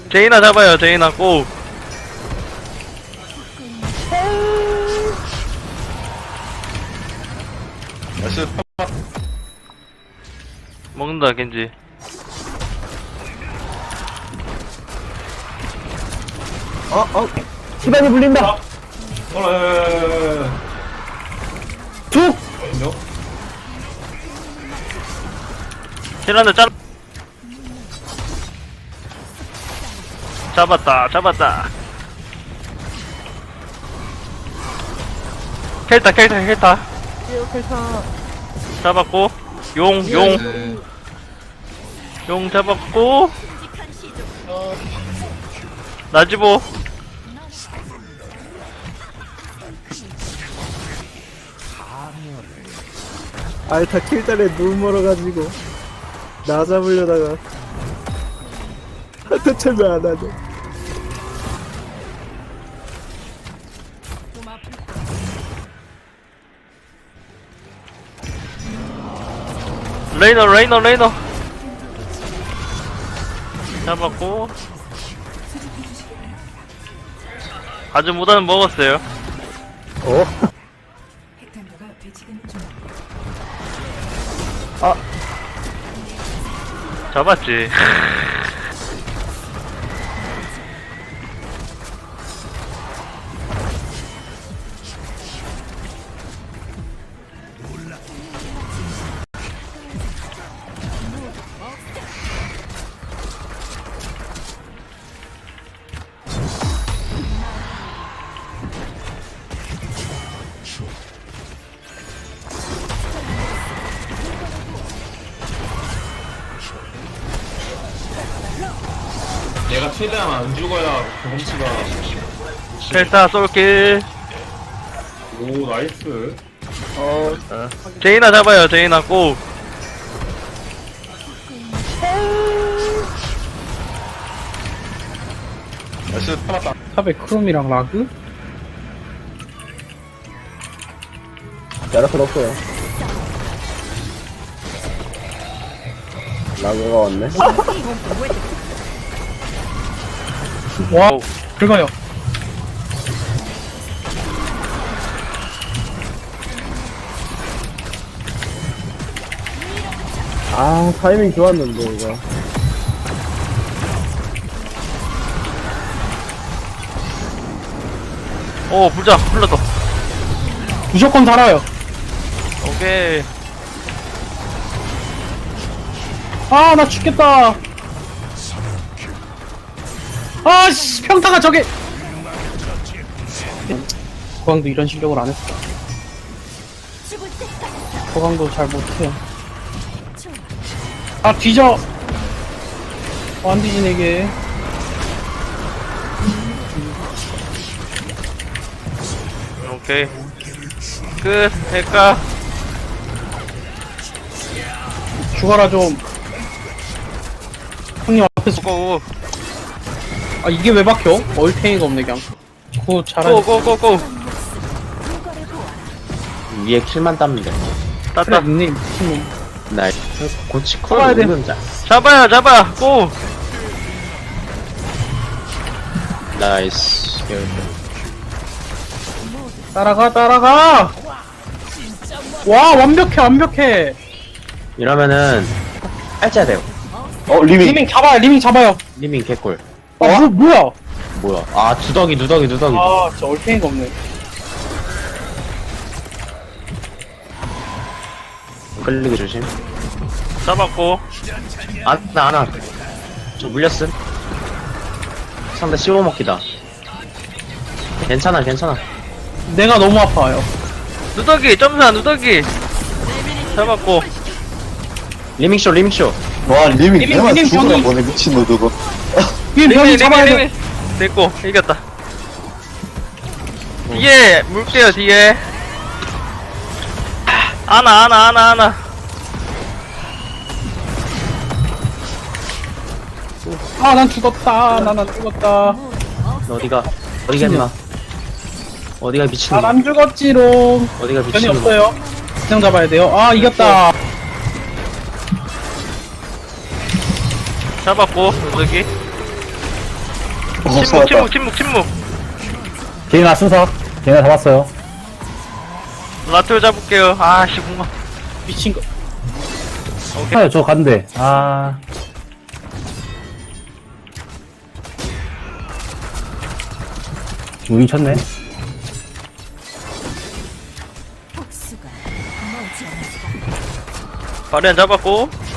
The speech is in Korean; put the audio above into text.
제이나 잡아요. 제이나 고. 나이스. 먹는다 겐지. 시간이 불린다. 쭉. 힐한대 짤. 잡았다. 켈타. 잡았고, 용 잡았고, 나지보. 알타 킬달에 눈 멀어가지고 나 잡으려다가 한테 철면 안 하죠. 레이너. 잡았고, 아주 무단은 먹었어요. 핵탄두가 배치되는 중. 잡았지. 얘가 최대한 안 죽어야 경험치가. 켈타 쏠길. 오, 나이스. 제이나 잡아요. 제이나 고. 나이스. 팔았다. 탑에 크롬이랑 라그? 야라클 없어요. 라그가 왔네. 와, 오. 긁어요. 아 타이밍 좋았는데 이거. 오, 불자, 불렀다. 무조건 살아요. 오케이. 아, 나 죽겠다. 아씨, 평타가 저게. 호강도 이런 실력을 안 했어. 호강도 잘 못해. 아, 뒤져. 안 뒤지네, 이게. 오케이. 끝. 할까? 죽어라, 좀. 형님 앞에서. 고. 아, 이게 왜 박혀? 얼탱이가 없네, 그냥. 그거 잘하네. 고. 위에 킬만 따면 돼. 그래, 땄다. 닉네임 미친놈. 나이스. 고치 잡아야 콜 돼. 누는 자. 잡아. 고. 나이스. 따라가! 와, 완벽해! 이러면은 빨자야 돼요. 리밍 잡아요! 리밍 개꿀. 아, 뭐야? 뭐야? 아, 누더기. 아, 진짜 얼탱이가 없네. 끌리기 조심. 잡았고. 안 와. 저 물렸음. 상대 씹어먹기다. 괜찮아. 내가 너무 아파요. 누더기, 점사, 누더기. 잡았고. 리밍쇼. 와 리밍 리밍, 내가 리밍 죽으나 병이- 보네 미친놈 저거. 병이 잡아야 돼. 됐고, 이겼다. 뒤에, 물게요, 뒤에. 아나. 아, 난 죽었다. 난 죽었다. 너 어디가 임마. 어디가 미친놈. 아, 난 죽었지롱. 어디가 변이 미친놈. 없어요. 그냥 잡아야 돼요. 아, 이겼다. 잡았고, 누더기. 침묵. 제이나 순서. 제이나 잡았어요. 라투 잡을게요. 아씨, 공마. 미친 거. 아요, 저 간대. 아. 우리 쳤네. 복수가 머지 않았다. 바리안 잡았고.